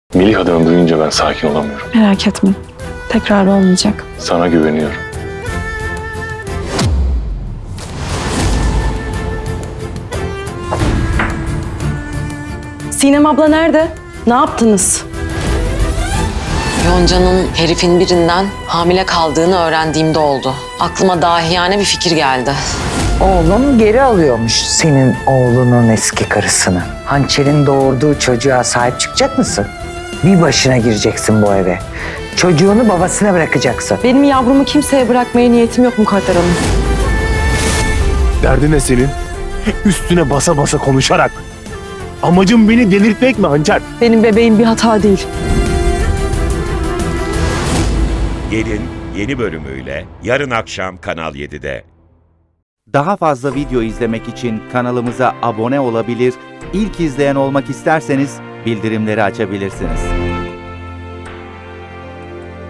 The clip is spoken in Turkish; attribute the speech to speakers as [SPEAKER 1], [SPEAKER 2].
[SPEAKER 1] Melih adını duyunca ben sakin olamıyorum.
[SPEAKER 2] Merak etme. Tekrar olmayacak.
[SPEAKER 1] Sana güveniyorum.
[SPEAKER 3] Sinem abla nerede? Ne yaptınız?
[SPEAKER 4] Yonca'nın herifin birinden hamile kaldığını öğrendiğimde oldu. Aklıma dahiyane bir fikir geldi.
[SPEAKER 5] Oğlum geri alıyormuş senin oğlunun eski karısını. Hançer'in doğurduğu çocuğa sahip çıkacak mısın? Bir başına gireceksin bu eve. Çocuğunu babasına bırakacaksın.
[SPEAKER 3] Benim yavrumu kimseye bırakmaya niyetim yok Mukadder Hanım.
[SPEAKER 6] Derdin ne senin? Üstüne basa basa konuşarak. Amacın beni delirtmek mi Hançer?
[SPEAKER 3] Benim bebeğim bir hata değil.
[SPEAKER 7] Gelin yeni bölümüyle yarın akşam Kanal 7'de.
[SPEAKER 8] Daha fazla video izlemek için kanalımıza abone olabilir, ilk izleyen olmak isterseniz bildirimleri açabilirsiniz.